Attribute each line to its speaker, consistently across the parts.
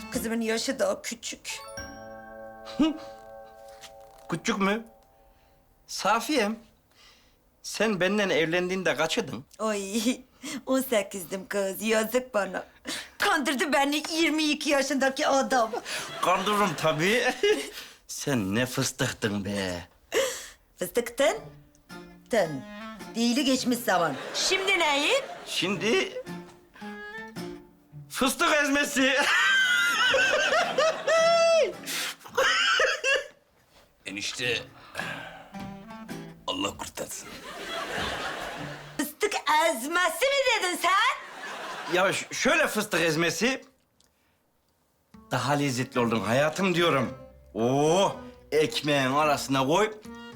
Speaker 1: Kızımın yaşı daha küçük.
Speaker 2: Küçük mü? Safiyem, sen benden evlendiğinde kaçydın?
Speaker 1: Ay 18'dim kız, yazık bana. Kandırdı beni 22 yaşındaki adam.
Speaker 2: Kandırırım tabii. Sen ne fıstıktın be.
Speaker 1: Fıstıktın. Tın. Değili geçmiş zaman. Şimdi neyin?
Speaker 2: Şimdi fıstık ezmesi.
Speaker 3: Enişte Allah kurtarsın.
Speaker 1: Fıstık ezmesi mi dedin sen?
Speaker 2: Ya şöyle fıstık ezmesi. Daha lezzetli oldun hayatım diyorum. Oo, ekmeğin arasına koy.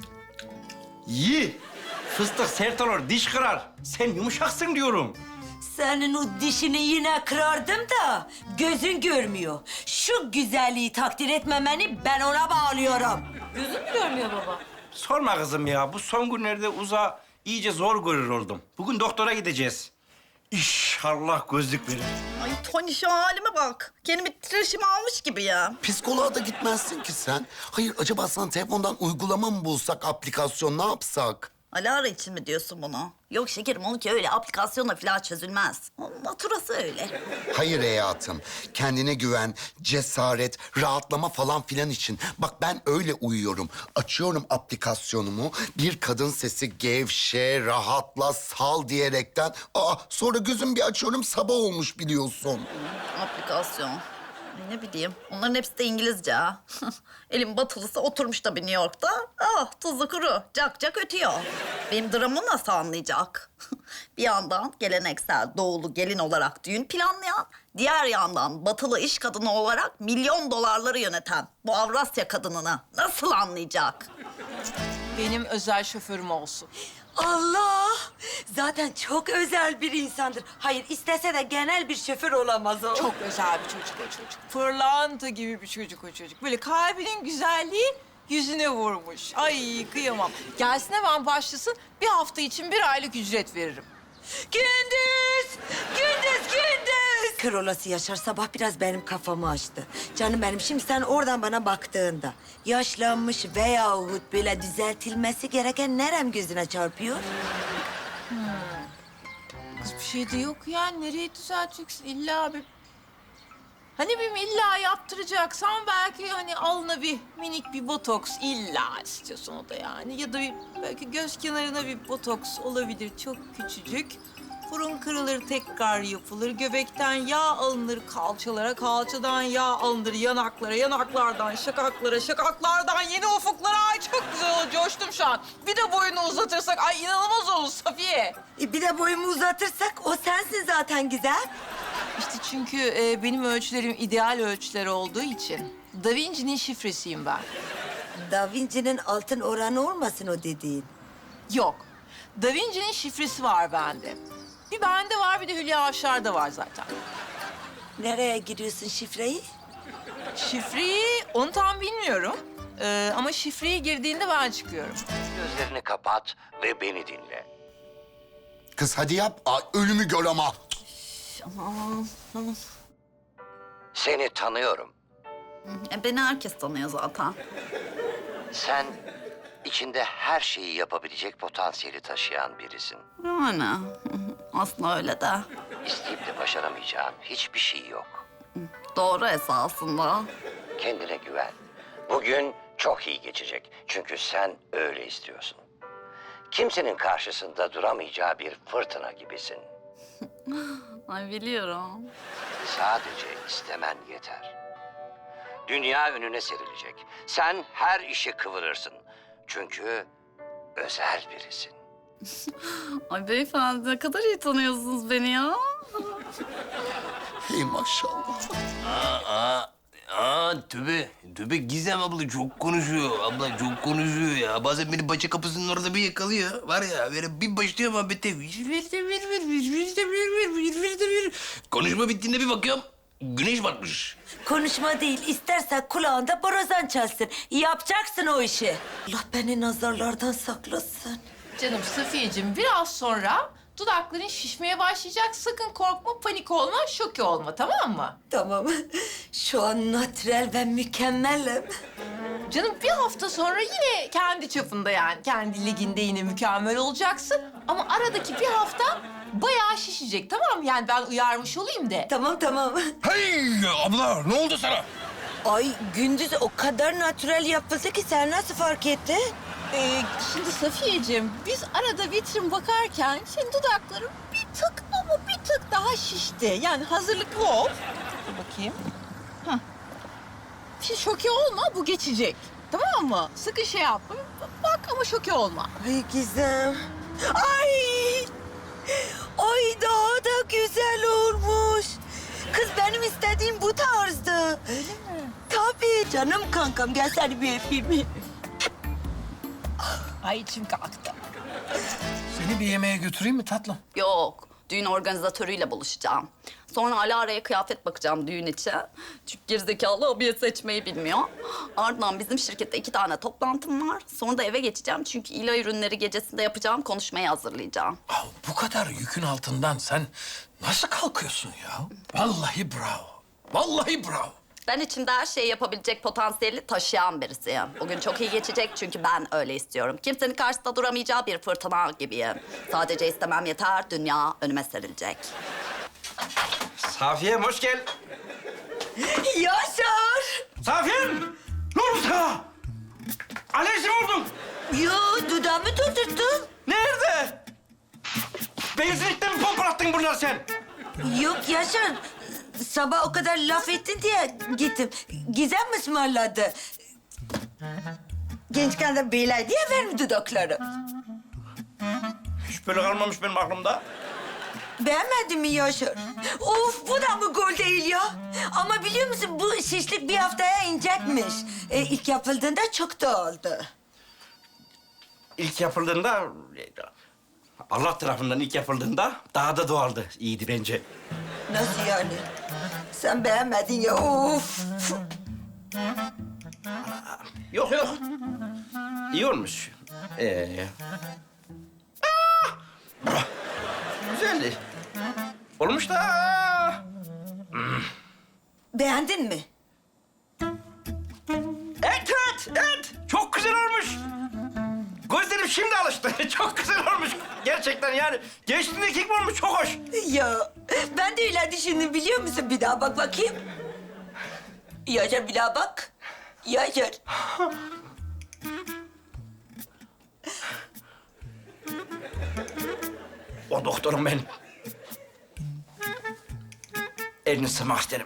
Speaker 2: Yi. Fıstık sert olur, diş kırar. Sen yumuşaksın diyorum.
Speaker 1: Senin o dişini yine kırardım da gözün görmüyor. Şu güzelliği takdir etmemeni ben ona bağlıyorum.
Speaker 4: Gözün mü görmüyor baba?
Speaker 2: Sorma kızım ya. Bu son günlerde uza iyice zor görür oldum. Bugün doktora gideceğiz. İnşallah gözlük verir.
Speaker 5: Ay Tony şu halime bak. Kendimi titreşim almış gibi ya.
Speaker 6: Psikoloğa da gitmezsin ki sen. Hayır, acaba sana telefondan uygulama mı bulsak, aplikasyon ne yapsak?
Speaker 5: Alara için mi diyorsun bunu? Yok şekerim, onunki öyle aplikasyonla falan çözülmez. Onun naturası öyle.
Speaker 6: Hayır hayatım, kendine güven, cesaret, rahatlama falan filan için. Bak ben öyle uyuyorum. Açıyorum aplikasyonumu, bir kadın sesi gevşe, rahatla, sal diyerekten. Sonra gözüm bir açıyorum, sabah olmuş biliyorsun.
Speaker 5: Aplikasyon. Ne bileyim, onların hepsi de İngilizce ha. Elim batılısı oturmuş tabii New York'ta. Tuzu kuru, cak cak ötüyor. Benim dramımı nasıl anlayacak? Bir yandan geleneksel doğulu gelin olarak düğün planlayan, diğer yandan batılı iş kadını olarak milyon dolarları yöneten bu Avrasya kadınını nasıl anlayacak?
Speaker 4: Benim özel şoförüm olsun.
Speaker 1: Allah! Zaten çok özel bir insandır. Hayır, istese de genel bir şoför olamaz o.
Speaker 4: Çok özel bir çocuk o çocuk. Pırlanta gibi bir çocuk o çocuk. Böyle kalbinin güzelliği yüzüne vurmuş. Ay kıyamam. Gelsin hemen başlasın. Bir hafta için 1 aylık ücret veririm.
Speaker 1: Gündüz! Gündüz, gündüz! Kör olası Yaşar sabah biraz benim kafamı açtı. Canım benim, şimdi sen oradan bana baktığında... ...yaşlanmış veyahut böyle düzeltilmesi gereken nerem gözüne çarpıyor?
Speaker 4: Kız bir şey de yok ya. Nereye düzelteceksin? İlla bir... Hani bir illa yaptıracaksan belki hani alnına bir minik bir botoks illa istiyorsun o da yani. Ya da bir, belki göz kenarına bir botoks olabilir çok küçücük. Burun kırılır tekrar yapılır. Göbekten yağ alınır kalçalara, kalçadan yağ alınır yanaklara, yanaklardan şakaklara, şakaklardan yeni ufuklara. Ay çok güzel oldu, coştum şu an. Bir de boyunu uzatırsak ay inanılmaz olur Safiye.
Speaker 1: Bir de boyumu uzatırsak o sensin zaten güzel.
Speaker 4: İşte çünkü benim ölçülerim ideal ölçüler olduğu için Da Vinci'nin şifresiyim ben.
Speaker 1: Da Vinci'nin altın oranı olmasın o dediğin.
Speaker 4: Yok. Da Vinci'nin şifresi var bende. Bir bende var, bir de Hülya Avşar'da var zaten.
Speaker 1: Nereye giriyorsun şifreyi?
Speaker 4: Şifreyi onu tam bilmiyorum. Ama şifreyi girdiğinde ben çıkıyorum.
Speaker 7: Gözlerini kapat ve beni dinle.
Speaker 6: Kız hadi yap, ölümü gör ama.
Speaker 5: Aman, aman.
Speaker 7: Seni tanıyorum.
Speaker 5: Beni herkes tanıyor zaten.
Speaker 7: Sen içinde her şeyi yapabilecek potansiyeli taşıyan birisin.
Speaker 5: Yani aslında öyle de.
Speaker 7: İsteyip de başaramayacağın hiçbir şey yok.
Speaker 5: Doğru esasında.
Speaker 7: Kendine güven. Bugün çok iyi geçecek. Çünkü sen öyle istiyorsun. Kimsenin karşısında duramayacağı bir fırtına gibisin.
Speaker 5: Ay biliyorum.
Speaker 7: Sadece istemen yeter. Dünya önüne serilecek. Sen her işi kıvırırsın. Çünkü özel birisin.
Speaker 5: Ay beyefendi ne kadar iyi tanıyorsunuz beni ya.
Speaker 6: Hey maşallah.
Speaker 3: Tövbe Gizem abla çok konuşuyor. Abla çok konuşuyor ya. Bazen beni bahçe kapısının orada bir yakalıyor. Var ya böyle bir başlıyor muhabbete. Konuşma bittiğinde bir bakıyorum. Güneş batmış.
Speaker 1: Konuşma değil, istersen kulağında borazan çalsın. Yapacaksın o işi. Allah beni nazarlardan saklasın.
Speaker 4: Canım Safiyeciğim biraz sonra dudakların şişmeye başlayacak. Sakın korkma, panik olma, şoke olma tamam mı?
Speaker 1: Tamam. Şu an natürel ve mükemmelim.
Speaker 4: Canım bir hafta sonra yine kendi çapında yani kendi liginde yine mükemmel olacaksın. Ama aradaki bir hafta bayağı şişecek, tamam mı? Yani ben uyarmış olayım de.
Speaker 1: Tamam tamam.
Speaker 3: Hey abla ne oldu sana?
Speaker 1: Ay Gündüz o kadar natürel yapıldı ki sen nasıl fark ettin?
Speaker 4: Şimdi Safiyeciğim, biz arada vitrin bakarken senin dudakların bir tık ama bir tık daha şişti. Yani hazırlıklı ol. Dur bakayım. Hah. Şimdi şoke olma, bu geçecek. Tamam mı? Sıkı şey yapma. Bak ama şoke olma.
Speaker 1: Ay Gizem. Ay! Ay daha da güzel olmuş. Kız benim istediğim bu tarzdı.
Speaker 4: Öyle mi?
Speaker 1: Tabii canım kankam gel seni bir öpeyim.
Speaker 4: Ay içim kalktı.
Speaker 3: Seni bir yemeğe götüreyim mi tatlım?
Speaker 5: Yok, düğün organizatörüyle buluşacağım. Sonra Alara'ya kıyafet bakacağım düğün için. Çünkü gerizekalı abiye seçmeyi bilmiyor. Ardından bizim şirkette 2 tane toplantım var. Sonra da eve geçeceğim çünkü İla ürünleri gecesinde yapacağım konuşmayı hazırlayacağım.
Speaker 8: Ya bu kadar yükün altından sen nasıl kalkıyorsun ya? Vallahi bravo. Vallahi bravo.
Speaker 5: Ben içimde her şeyi yapabilecek potansiyeli taşıyan birisiyim. Bugün çok iyi geçecek çünkü ben öyle istiyorum. Kimsenin karşısında duramayacağı bir fırtına gibiyim. Sadece istemem yeter, dünya önüme serilecek.
Speaker 2: Safiye'm hoş gel.
Speaker 1: Yaşar!
Speaker 2: Safiye'm! Ne oldu sana? Alerji mi oldun?
Speaker 1: Yo dudağımı tutturttun.
Speaker 2: Nerede? Benzinlikten mi pompalattın bunları sen?
Speaker 1: Yok Yaşar. Sabah o kadar laf ettin diye gittim. Gizem mi ısmarladı? Gençken de beyler diye vermi dudakları.
Speaker 2: Hiç böyle kalmamış benim aklımda.
Speaker 1: Beğenmedin mi Yaşar? Of bu da mı gol değil ya? Ama biliyor musun bu şişlik bir haftaya inecekmiş. İlk yapıldığında çok da oldu.
Speaker 2: İlk yapıldığında... Allah tarafından ilk yapıldığında daha da doğaldı. İyiydi bence.
Speaker 1: Nasıl yani? Sen beğenmedin ya of.
Speaker 2: Yok yok. İyi olmuş. Güzeldi. Olmuş da.
Speaker 1: Beğendin mi?
Speaker 2: Evet. Çok güzel olmuş. Gözlerim şimdi alıştı. Çok güzel olmuş. Gerçekten yani. Gençliğindeki gibi olmuş. Çok hoş.
Speaker 1: Ya ben de öyle düşündüm biliyor musun? Bir daha bak bakayım. Yaşar bir daha bak. Yaşar.
Speaker 2: O doktorum benim. Elini sıkmak isterim.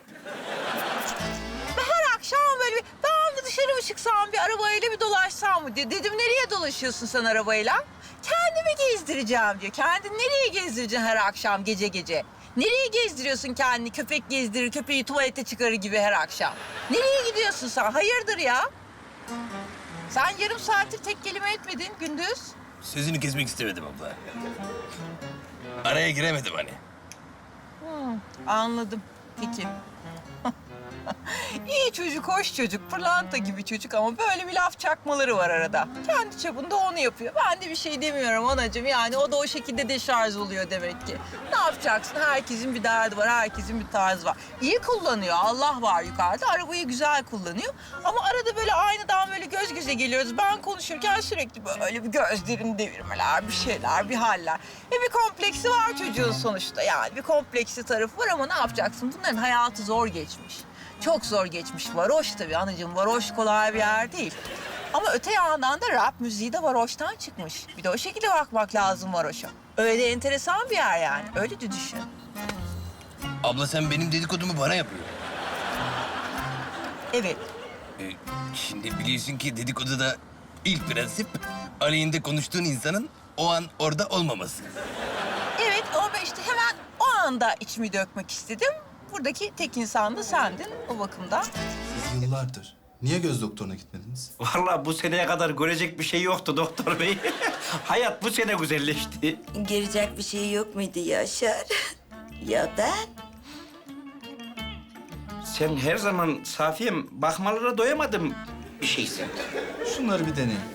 Speaker 4: Her akşam böyle bir ben bir dışarı mı çıksam bir arabayla bir dolaşsam mı diye. Dedim nereye dolaşıyorsun sen arabayla? Kendimi gezdireceğim diyor. Kendini nereye gezdireceksin her akşam gece gece? Nereye gezdiriyorsun kendini? Köpek gezdirir, köpeği tuvalete çıkarır gibi her akşam. Nereye gidiyorsun sen? Hayırdır ya? Sen yarım saattir tek kelime etmedin Gündüz.
Speaker 3: Sözünü kesmek istemedim abla. Araya giremedim hani.
Speaker 4: Anladım. Peki. İyi çocuk, hoş çocuk, pırlanta gibi çocuk ama böyle bir laf çakmaları var arada. Kendi çapında onu yapıyor. Ben de bir şey demiyorum anacığım. Yani o da o şekilde deşarj oluyor demek ki. Ne yapacaksın? Herkesin bir derdi var, herkesin bir tarzı var. İyi kullanıyor, Allah var yukarıda. Arabayı güzel kullanıyor. Ama arada böyle aynadan böyle göz göze geliyoruz. Ben konuşurken sürekli böyle bir gözlerini devirmeler, bir şeyler, bir haller. Bir kompleksi var çocuğun sonuçta yani. Bir kompleksi tarafı var ama ne yapacaksın? Bunların hayatı zor geçmiş. Çok zor geçmiş. Varoş tabii anacığım. Varoş kolay bir yer değil. Ama öte yandan da rap müziği de varoştan çıkmış. Bir de o şekilde bakmak lazım varoşa. Öyle enteresan bir yer yani. Öyle de düşün.
Speaker 3: Abla sen benim dedikodumu bana yapıyorsun.
Speaker 4: Evet.
Speaker 3: Şimdi biliyorsun ki dedikoduda ilk prensip aleyhinde konuştuğun insanın o an orada olmaması.
Speaker 4: Evet ama ben işte hemen o anda içimi dökmek istedim. Buradaki tek insan da sendin o bakımdan.
Speaker 9: Siz yıllardır niye göz doktoruna gitmediniz?
Speaker 2: Vallahi bu seneye kadar görecek bir şey yoktu doktor bey. Hayat bu sene güzelleşti.
Speaker 1: Girecek bir şey yok muydu Yaşar? Ya ben?
Speaker 2: Sen her zaman Safiye'm bakmalara doyamadım bir şeysin.
Speaker 9: Şunları bir deneyin.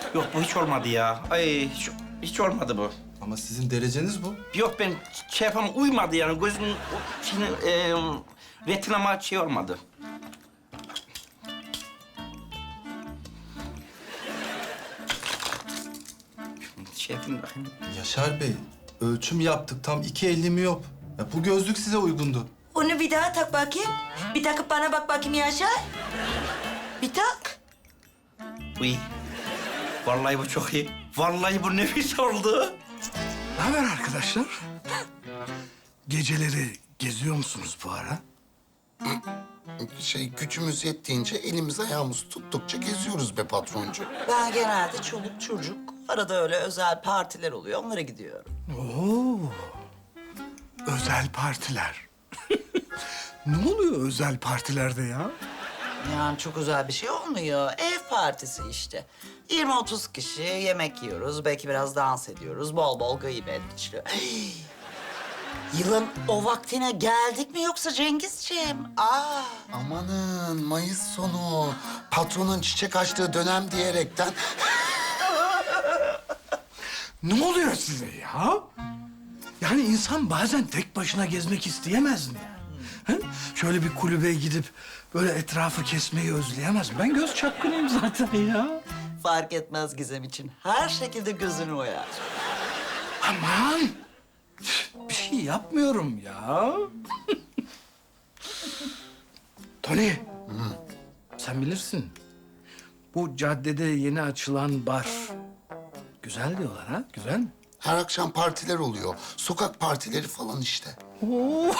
Speaker 2: Yok bu hiç olmadı ya. Ay hiç olmadı bu.
Speaker 9: Ama sizin dereceniz bu.
Speaker 2: Yok ben şey yapamam, uymadı yani. Gözümün retinama şey olmadı. Şey yapayım bakayım.
Speaker 9: Yaşar Bey, ölçüm yaptık. Tam 2.50 miyop. Ya bu gözlük size uygundu.
Speaker 1: Onu bir daha tak bakayım. Bir takıp bana bak bakayım Yaşar. Bir tak.
Speaker 2: Uy. Vallahi bu çok iyi. Vallahi bu nefis oldu.
Speaker 8: Ne haber arkadaşlar? Geceleri geziyor musunuz bu ara?
Speaker 6: Gücümüz yettiğince elimiz ayağımız tuttukça geziyoruz be patroncu.
Speaker 10: Ben genelde çoluk çocuk, arada öyle özel partiler oluyor, onlara gidiyorum.
Speaker 8: Oo. Özel partiler. Ne oluyor özel partilerde ya?
Speaker 10: Yani çok özel bir şey olmuyor. Ev partisi işte. 20-30 kişi yemek yiyoruz, belki biraz dans ediyoruz, bol bol gıybet işte. Yılın o vaktine geldik mi yoksa Cengizciğim?
Speaker 6: Amanın Mayıs sonu. Patronun çiçek açtığı dönem diyerekten.
Speaker 8: Ne oluyor size ya? Yani insan bazen tek başına gezmek isteyemez mi? He? Şöyle bir kulübe gidip böyle etrafı kesmeyi özleyemez mi? Ben göz çapkınıyım zaten ya.
Speaker 10: Fark etmez Gizem için. Her şekilde gözünü oyar.
Speaker 8: Aman! Bir şey yapmıyorum ya. Tony, sen bilirsin. Bu caddede yeni açılan bar. Güzel diyorlar ha, güzel mi?
Speaker 6: Her akşam partiler oluyor. Sokak partileri falan işte.
Speaker 8: Oo.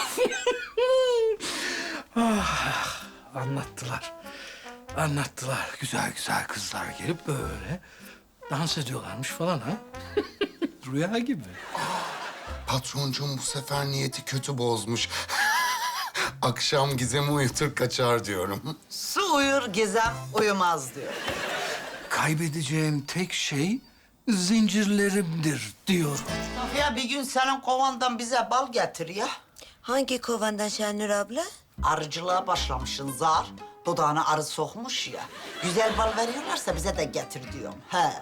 Speaker 8: Anlattılar. Anlattılar. Güzel güzel kızlar gelip böyle dans ediyorlarmış falan ha. Rüya gibi.
Speaker 6: Patroncuğum bu sefer niyeti kötü bozmuş. Akşam Gizem'i uyutur kaçar diyorum.
Speaker 10: Su uyur, Gizem uyumaz diyor.
Speaker 8: Kaybedeceğim tek şey zincirlerimdir diyorum.
Speaker 10: Ya bir gün senin kovandan bize bal getir ya.
Speaker 1: Hangi kovandan Şenur abla?
Speaker 10: Arıcılığa başlamışsın zar. Dudağına arı sokmuş ya. Güzel bal veriyorlarsa bize de getir diyorum. He.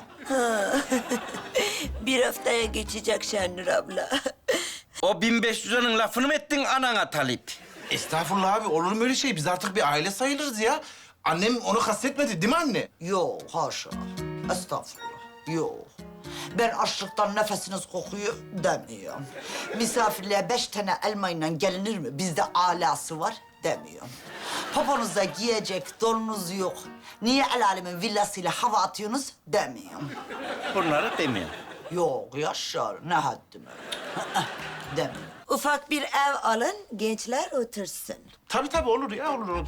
Speaker 1: Bir haftaya geçecek Şenur abla.
Speaker 2: O 1500'ünün lafını mı ettin anana Talip?
Speaker 11: Estağfurullah abi, olur mu öyle şey? Biz artık bir aile sayılırız ya. Annem onu kastetmedi değil mi anne?
Speaker 10: Yok, haşa. Estağfurullah. Yok. Ben açlıktan nefesiniz kokuyor demiyorum. Misafirliğe 5 tane elmayla gelinir mi? Bizde alası var demiyorum. Poponuzda giyecek donunuz yok. Niye el alemin villasıyla hava atıyorsunuz demiyorum.
Speaker 2: Bunları demiyor.
Speaker 10: Yok Yaşar, ne haddim demiyorum.
Speaker 1: Ufak bir ev alın, gençler otursun.
Speaker 11: Tabii olur ya, olur.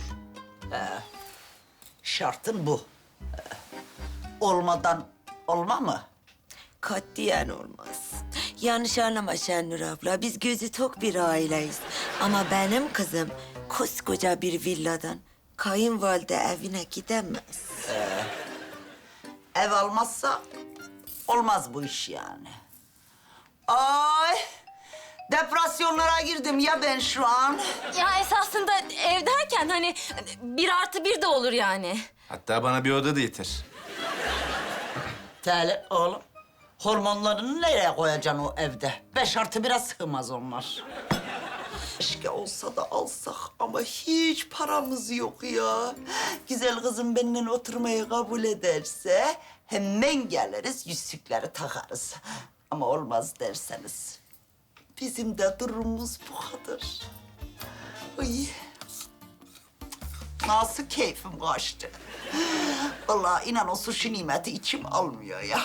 Speaker 10: Şartın bu. Olmadan olma mı?
Speaker 1: Katiyen olmaz. Yanlış anlama Şenur abla, biz gözü tok bir aileyiz. Ama benim kızım koskoca bir villadan kayınvalide evine gidemez.
Speaker 10: Ev almazsa olmaz bu iş yani. Ay, depresyonlara girdim ya ben şu an.
Speaker 12: Ya esasında ev derken hani 1+1 de olur yani.
Speaker 11: Hatta bana bir oda da yeter.
Speaker 10: Tele oğlum, hormonlarını nereye koyacaksın o evde? 5+1'e sığmaz onlar. Keşke olsa da alsak ama hiç paramız yok ya. Güzel kızım benimle oturmayı kabul ederse hemen geliriz, yüzükleri takarız. Ama olmaz derseniz bizim de durumumuz bu kadar. Ay. Nasıl keyfim kaçtı. Vallahi inan o sushi nimeti içim almıyor ya.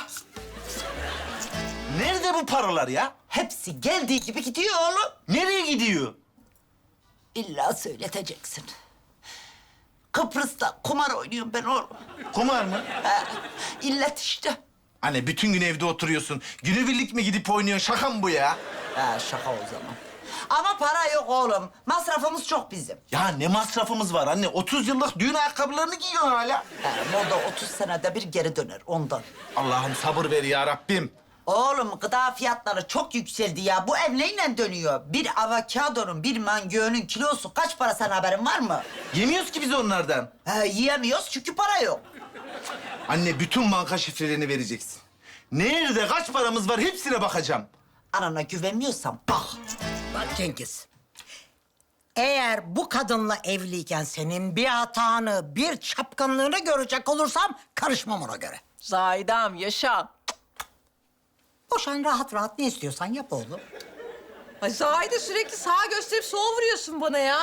Speaker 11: Nerede bu paralar ya?
Speaker 10: Hepsi geldiği gibi gidiyor oğlum.
Speaker 11: Nereye gidiyor?
Speaker 10: İlla söyleteceksin. Kıbrıs'ta kumar oynuyorum ben oğlum.
Speaker 11: Kumar mı?
Speaker 10: Ha, illet işte.
Speaker 11: Anne bütün gün evde oturuyorsun. Günübirlik mi gidip oynuyorsun? Şaka mı bu ya?
Speaker 10: Ha, şaka o zaman. Ama para yok oğlum. Masrafımız çok bizim.
Speaker 11: Ya ne masrafımız var anne? 30 yıllık düğün ayakkabılarını giyiyorsun hala.
Speaker 10: Ha, moda 30 senede bir geri döner ondan.
Speaker 11: Allah'ım sabır ver ya Rabbim.
Speaker 10: Oğlum gıda fiyatları çok yükseldi ya. Bu ev neyle dönüyor? Bir avokadonun, bir mangönün kilosu kaç para, sen haberin var mı?
Speaker 11: Yemiyoruz ki biz onlardan.
Speaker 10: Ha, yiyemiyoruz çünkü para yok.
Speaker 11: Anne bütün banka şifrelerini vereceksin. Nerede kaç paramız var hepsine bakacağım.
Speaker 10: Anana güvenmiyorsan bak.
Speaker 13: Bak Cengiz. Eğer bu kadınla evliyken senin bir hatanı, bir çapkınlığını görecek olursam karışmam ona göre.
Speaker 4: Zahidem yaşa.
Speaker 13: Boşan rahat rahat ne istiyorsan yap oğlum.
Speaker 4: Ay Zahide sürekli sağa gösterip sola vuruyorsun bana ya.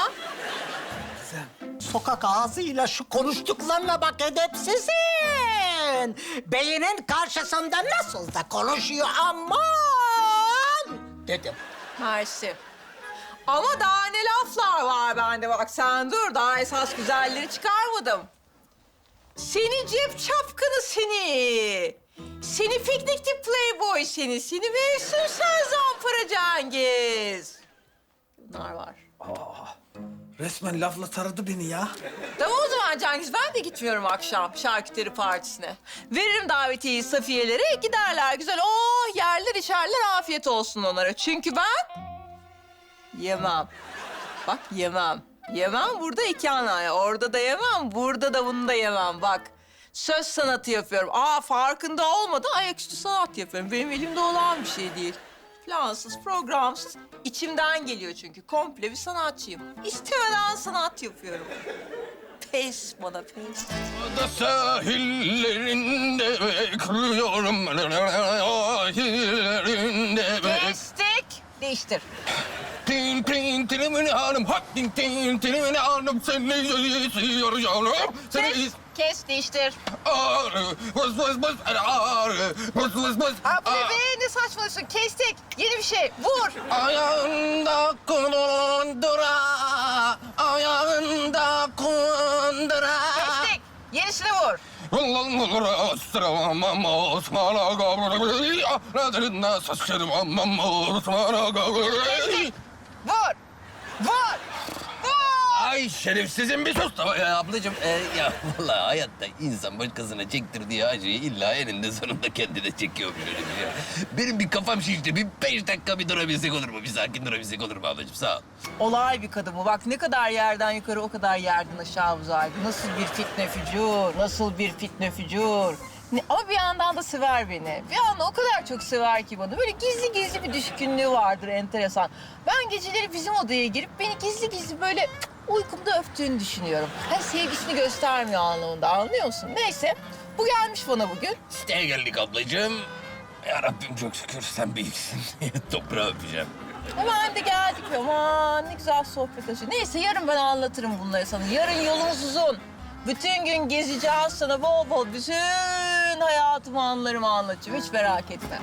Speaker 13: Sokak ağzıyla şu konuştuklarına bak edepsizin. Beyinin karşısında nasıl da konuşuyor aman dedim.
Speaker 4: Mersi. Ama daha ne laflar var bende bak sen dur. Daha esas güzelleri çıkarmadım. Seni cep çapkını seni. Seni piknikçi playboy seni. Seni mevsim sen zampara Cengiz. Bunlar var.
Speaker 8: Resmen lafla taradı beni ya.
Speaker 4: Tamam o zaman Cengiz ben de gitmiyorum akşam şarküteri partisine. Veririm davetiyeyi Safiyelere giderler güzel. Oh yerler içerler afiyet olsun onlara. Çünkü ben yemem. Bak yemem. Yemem burada iki anaya. Orada da yemem, burada da bunu da yemem. Bak söz sanatı yapıyorum. Farkında olmadan ayaküstü sanat yapıyorum. Benim elimde olan bir şey değil. Plansız, programsız. İçimden geliyor çünkü. Komple bir sanatçıyım. İstemeden sanat yapıyorum. Pes bana pes.
Speaker 3: Da sahillerinde bekliyorum. Sahillerinde
Speaker 4: Kestik. Değiştir.
Speaker 3: Tin tin tilimini hanım, hot tin tin tilimini hanım, seni istiyorum.
Speaker 4: Kes, değiştir.
Speaker 3: Ağrı, vız vız vız, ağrı, vız vız vız.
Speaker 4: Bu ne be? Ne saçmalıyorsun? Kestik. Yeni bir şey. Vur.
Speaker 3: Ayağında kundura, ayağında kundura.
Speaker 4: Kestik. Yenisini vur. Kestik. Vur. Vur.
Speaker 3: Ay şerefsizim bir sus da ya ablacığım. Ya vallahi hayatta insan başkasına çektirdiği acıyı illa eninde sonunda kendi de çekiyormuş öyle bir şey. Benim bir kafam şişti. Bir 5 dakika bir durabilsek olur mu? Bir sakin durabilsek olur mu ablacığım? Sağ ol.
Speaker 4: Olay bir kadın bu. Bak ne kadar yerden yukarı o kadar yerden aşağı uzaydı. Nasıl bir fitne fücur, nasıl bir fitne fücur. Ama bir yandan da sever beni. Bir yandan o kadar çok sever ki bana. Böyle gizli gizli bir düşkünlüğü vardır enteresan. Ben geceleri bizim odaya girip beni gizli gizli böyle uykumda öptüğünü düşünüyorum. Hani sevgisini göstermiyor anlamında anlıyor musun? Neyse bu gelmiş bana bugün.
Speaker 3: Siteye geldik ablacığım. Ya Rabbim çok şükür sen büyüksün. Toprağı öpeceğim.
Speaker 4: Hemen de geldik. Aman ne güzel sohbet açıyor. Neyse yarın ben anlatırım bunları sana. Yarın yolumuz uzun. Bütün gün gezeceğiz sana bol bol bütün hayatımı anılarımı anlatacağım. Hiç merak etme.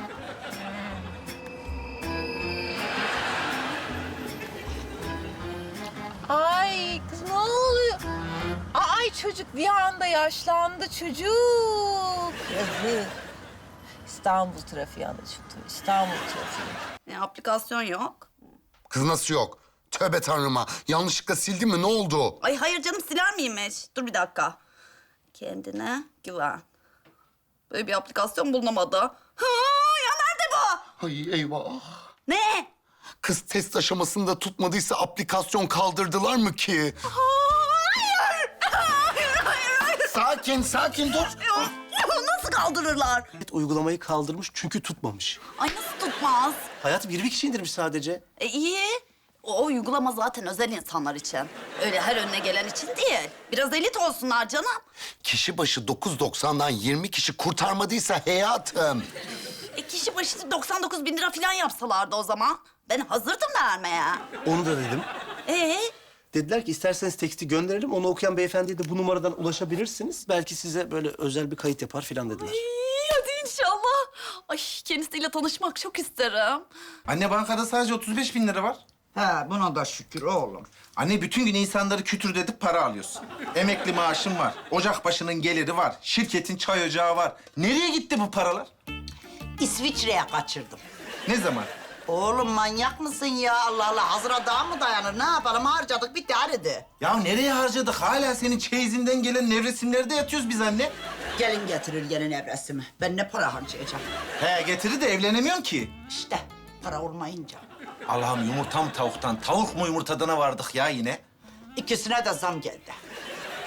Speaker 4: Ay kız ne oluyor? Ay çocuk bir anda yaşlandı çocuk. Yazık. İstanbul trafiği anacığım tabii. İstanbul trafiği.
Speaker 5: Aplikasyon yok.
Speaker 6: Kız nasıl yok? Tövbe tanrıma. Yanlışlıkla sildi mi? Ne oldu?
Speaker 5: Ay hayır canım siler miymiş? Dur bir dakika. Kendine güven. Böyle bir aplikasyon bulunamadı. Ha, ya nerede bu?
Speaker 6: Ay eyvah.
Speaker 5: Ne?
Speaker 6: Kız test aşamasında tutmadıysa aplikasyon kaldırdılar mı ki?
Speaker 5: Hayır. Hayır.
Speaker 6: Sakin, sakin dur.
Speaker 5: Nasıl kaldırırlar?
Speaker 14: Uygulamayı kaldırmış çünkü tutmamış.
Speaker 5: Ay nasıl tutmaz?
Speaker 14: Hayatım 20 kişi indirmiş sadece.
Speaker 5: İyi. O uygulama zaten özel insanlar için. Öyle her önüne gelen için değil. Biraz elit olsunlar canım.
Speaker 6: Kişi başı 9.90'dan 20 kişi kurtarmadıysa hayatım.
Speaker 5: Kişi başı 99 bin lira falan yapsalardı o zaman. Ben hazırdım vermeye.
Speaker 14: Onu da dedim.
Speaker 9: Dediler ki isterseniz teksti gönderelim. Onu okuyan beyefendiye de bu numaradan ulaşabilirsiniz. Belki size böyle özel bir kayıt yapar filan dediler.
Speaker 5: Hadi inşallah. Ay kendisiyle tanışmak çok isterim.
Speaker 11: Anne bankada sadece 35 bin lira var.
Speaker 10: He buna da şükür oğlum.
Speaker 11: Anne bütün gün insanları kütür edip para alıyorsun. Emekli maaşın var. Ocak başının geliri var. Şirketin çay ocağı var. Nereye gitti bu paralar?
Speaker 10: İsviçre'ye kaçırdım.
Speaker 11: Ne zaman?
Speaker 10: Oğlum manyak mısın ya? Allah Allah hazıra daha mı dayanır? Ne yapalım harcadık bitti hadi.
Speaker 11: Ya nereye harcadık? Hala senin çeyizinden gelen nevresimlerde yatıyoruz biz anne.
Speaker 10: Gelin getirir gelin evresimi. Ben ne para harcayacağım?
Speaker 11: He getirir de evlenemiyorsun ki.
Speaker 10: İşte para olmayınca.
Speaker 11: Allah'ım yumurta mı tavuktan, tavuk mu yumurtadana vardık ya yine.
Speaker 10: İkisine de zam geldi.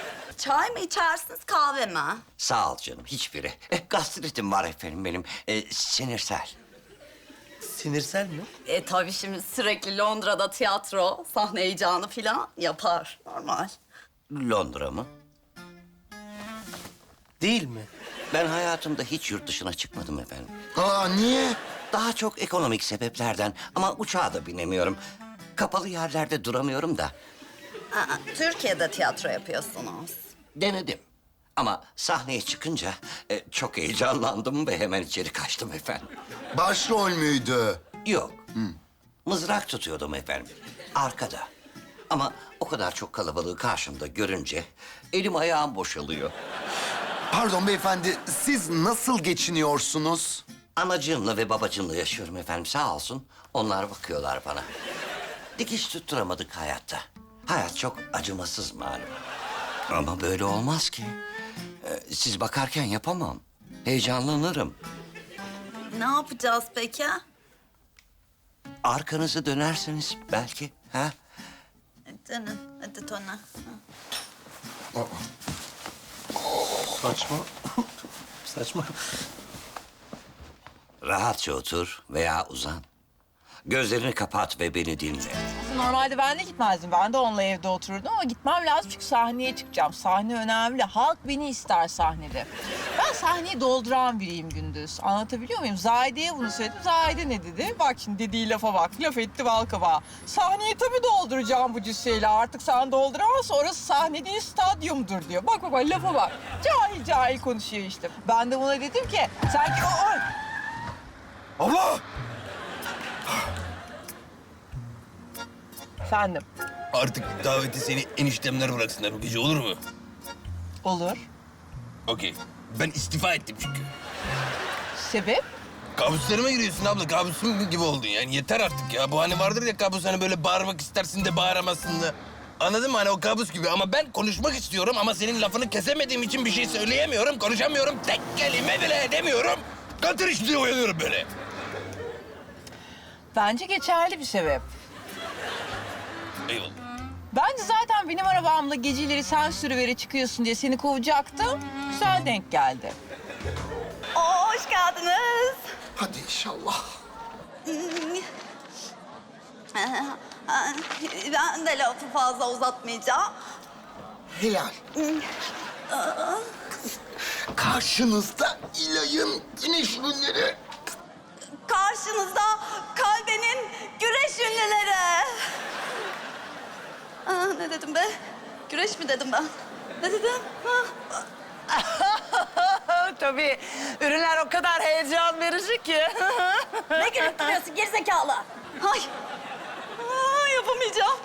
Speaker 5: Çay mı içersiniz, kahve mi?
Speaker 7: Sağ ol canım, hiçbiri. Gastritim var efendim benim, sinirsel.
Speaker 14: Sinirsel mi?
Speaker 5: Tabii şimdi sürekli Londra'da tiyatro, sahne heyecanı falan yapar. Normal.
Speaker 7: Londra mı?
Speaker 14: Değil mi?
Speaker 7: Ben hayatımda hiç yurt dışına çıkmadım efendim.
Speaker 6: Aa niye?
Speaker 7: Daha çok ekonomik sebeplerden ama uçağa da binemiyorum. Kapalı yerlerde duramıyorum da.
Speaker 5: Türkiye'de tiyatro yapıyorsunuz.
Speaker 7: Denedim. Ama sahneye çıkınca çok heyecanlandım ve hemen içeri kaçtım efendim.
Speaker 6: Başrol müydü?
Speaker 7: Yok. Mızrak tutuyordum efendim. Arkada. Ama o kadar çok kalabalığı karşımda görünce elim ayağım boşalıyor.
Speaker 6: Pardon beyefendi, siz nasıl geçiniyorsunuz?
Speaker 7: Anacığımla ve babacığımla yaşıyorum efendim, sağ olsun. Onlar bakıyorlar bana. Dikiş tutturamadık hayatta. Hayat çok acımasız malum. Ama böyle olmaz ki. Siz bakarken yapamam. Heyecanlanırım.
Speaker 5: Ne yapacağız peki?
Speaker 7: Arkanızı dönerseniz belki, ha?
Speaker 5: Dönün, hadi Tona.
Speaker 14: Saçma. Saçma.
Speaker 7: Rahatça otur veya uzan. Gözlerini kapat ve beni dinle.
Speaker 4: Normalde ben de gitmezdim. Ben de onunla evde otururdum ama gitmem lazım çünkü sahneye çıkacağım. Sahne önemli. Halk beni ister sahnede. Ben sahneyi dolduran biriyim Gündüz. Anlatabiliyor muyum? Zahide'ye bunu söyledim. Zahide ne dedi? Bak şimdi dediği lafa bak. Laf etti bal kabağı. Sahneyi tabii dolduracağım bu cüsseyle. Artık sen dolduramazsın. Orası sahne değil, stadyumdur diyor. Bak lafa bak. Cahil cahil konuşuyor işte. Ben de buna dedim ki sanki o...
Speaker 3: Abla!
Speaker 4: Efendim?
Speaker 3: Artık daveti seni eniştemler bıraksınlar bu gece, olur mu?
Speaker 4: Olur.
Speaker 3: Okey. Ben istifa ettim çünkü.
Speaker 4: Sebep?
Speaker 3: Kabuslarıma giriyorsun abla. Kabusum gibi oldun yani. Yeter artık ya. Bu hani vardır ya kabus, hani böyle bağırmak istersin de bağıramazsın da. Anladın mı? Hani o kabus gibi. Ama ben konuşmak istiyorum ama senin lafını kesemediğim için bir şey söyleyemiyorum. Konuşamıyorum. Tek kelime bile edemiyorum. Katır işte uyanıyorum böyle.
Speaker 4: Bence geçerli bir sebep.
Speaker 3: Eyvallah.
Speaker 4: Bence zaten benim arabamla geceleri sen sürüveri çıkıyorsun diye seni kovacaktım. Güzel denk geldi.
Speaker 5: Hoş geldiniz.
Speaker 6: Hadi inşallah.
Speaker 5: Ben de lafı fazla uzatmayacağım.
Speaker 6: Helal. Karşınızda İlay'ın güneş ürünleri.
Speaker 5: Karşınızda kalbenin güreş ünlüleri. Ne dedim be? Güreş mi dedim ben? Ne dedim?
Speaker 10: Tabii ürünler o kadar heyecan verici ki.
Speaker 5: Ne gülüp duruyorsun gerizekalı? Ay. Yapamayacağım.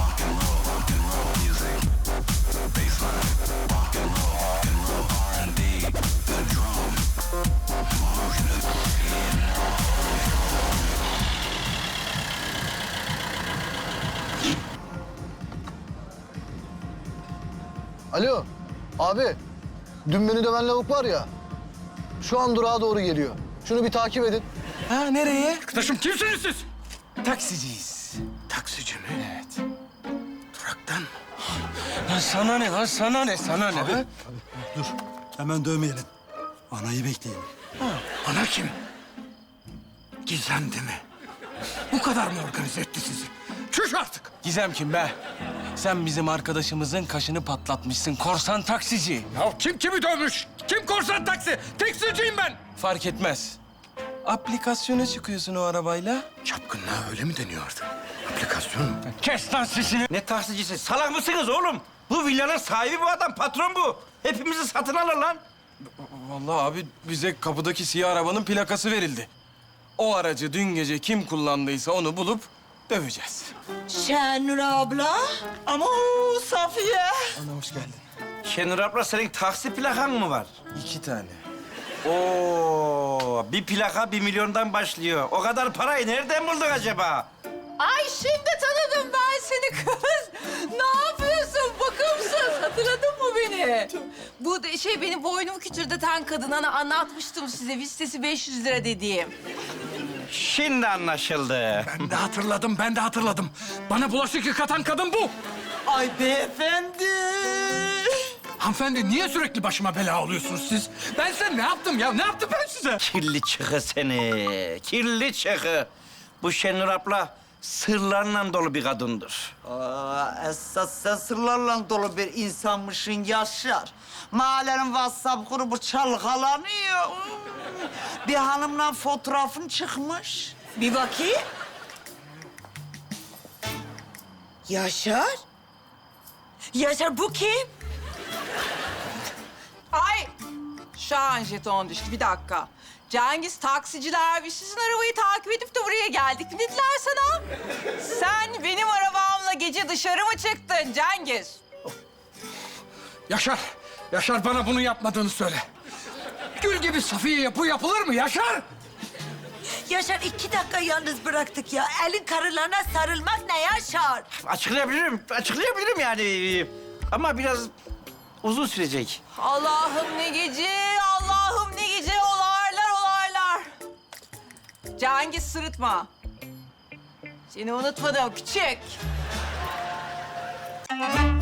Speaker 15: Alo, abi. Dün beni döven lavuk var ya. Şu an durağa doğru geliyor. Şunu bir takip edin.
Speaker 8: Ha nereye? Arkadaşım kimsiniz siz? Taksiciyiz. Taksici mi? Evet. Duraktan mı? Lan sana ne lan? Sana ne? Sana ne? Ha?
Speaker 16: Dur, hemen dövmeyelim. Anayı bekleyelim.
Speaker 8: Ana kim? Gizem değil mi? Bu kadar mı organize etti sizi? Çüş artık!
Speaker 17: Gizem kim be? Sen bizim arkadaşımızın kaşını patlatmışsın. Korsan taksici.
Speaker 8: Ya kim kimi dövmüş? Kim korsan taksi? Taksiciyim ben!
Speaker 17: Fark etmez. Aplikasyona çıkıyorsun o arabayla.
Speaker 8: Çapkınlığa öyle mi deniyor artık? Aplikasyon mu?
Speaker 17: Kes lan sesini.
Speaker 2: Ne taksicisi? Salak mısınız oğlum? Bu villanın sahibi bu adam, patron bu. Hepimizi satın alır lan.
Speaker 17: Vallahi abi bize kapıdaki siyah arabanın plakası verildi. O aracı dün gece kim kullandıysa onu bulup döveceğiz.
Speaker 1: Şenur abla.
Speaker 10: Ama Safiye.
Speaker 17: Ana hoş geldin.
Speaker 2: Şenur abla, senin taksi plakan mı var?
Speaker 17: 2 tane.
Speaker 2: Oo, bir plaka 1 milyondan başlıyor. O kadar parayı nereden bulduk acaba?
Speaker 4: Ay şimdi tanıdım ben seni kız. Ne yapıyorsun bakımsız? Hatırladın mı beni? Bu benim boynumu küçülten kadın. Hani anlatmıştım size vistesi 500 lira dediğim.
Speaker 2: Şimdi anlaşıldı.
Speaker 8: Ben de hatırladım. Bana bulaşık yıkatan kadın bu.
Speaker 10: Ay beyefendi.
Speaker 8: Hanımefendi niye sürekli başıma bela oluyorsunuz siz? Ben size ne yaptım ya? Ne yaptım ben size?
Speaker 2: Kirli çıkı seni. Kirli çıkı. Bu Şenur abla sırlarla dolu bir kadındır.
Speaker 10: Esas sen sırlarla dolu bir insanmışsın Yaşar. Mahallenin WhatsApp grubu çalkalanıyor. Bir hanımla fotoğrafın çıkmış.
Speaker 1: Bir bakayım. Yaşar? Yaşar bu kim?
Speaker 4: Ay! Şahan jeton düştü. Bir dakika. Cengiz taksiciler biz sizin arabayı takip edip de buraya geldik mi dediler sana? Sen benim arabamla gece dışarı mı çıktın Cengiz?
Speaker 8: Yaşar, Yaşar bana bunu yapmadığını söyle. Gül gibi Safiye'ye bu yapılır mı Yaşar?
Speaker 1: Yaşar 2 dakika yalnız bıraktık ya. Elin karılarına sarılmak ne Yaşar?
Speaker 2: Açıklayabilirim yani. Ama biraz uzun sürecek.
Speaker 4: Allah'ım ne gece, Allah'ım ne gece olaylar olaylar. Cengiz sırıtma. Seni unutmadım küçük.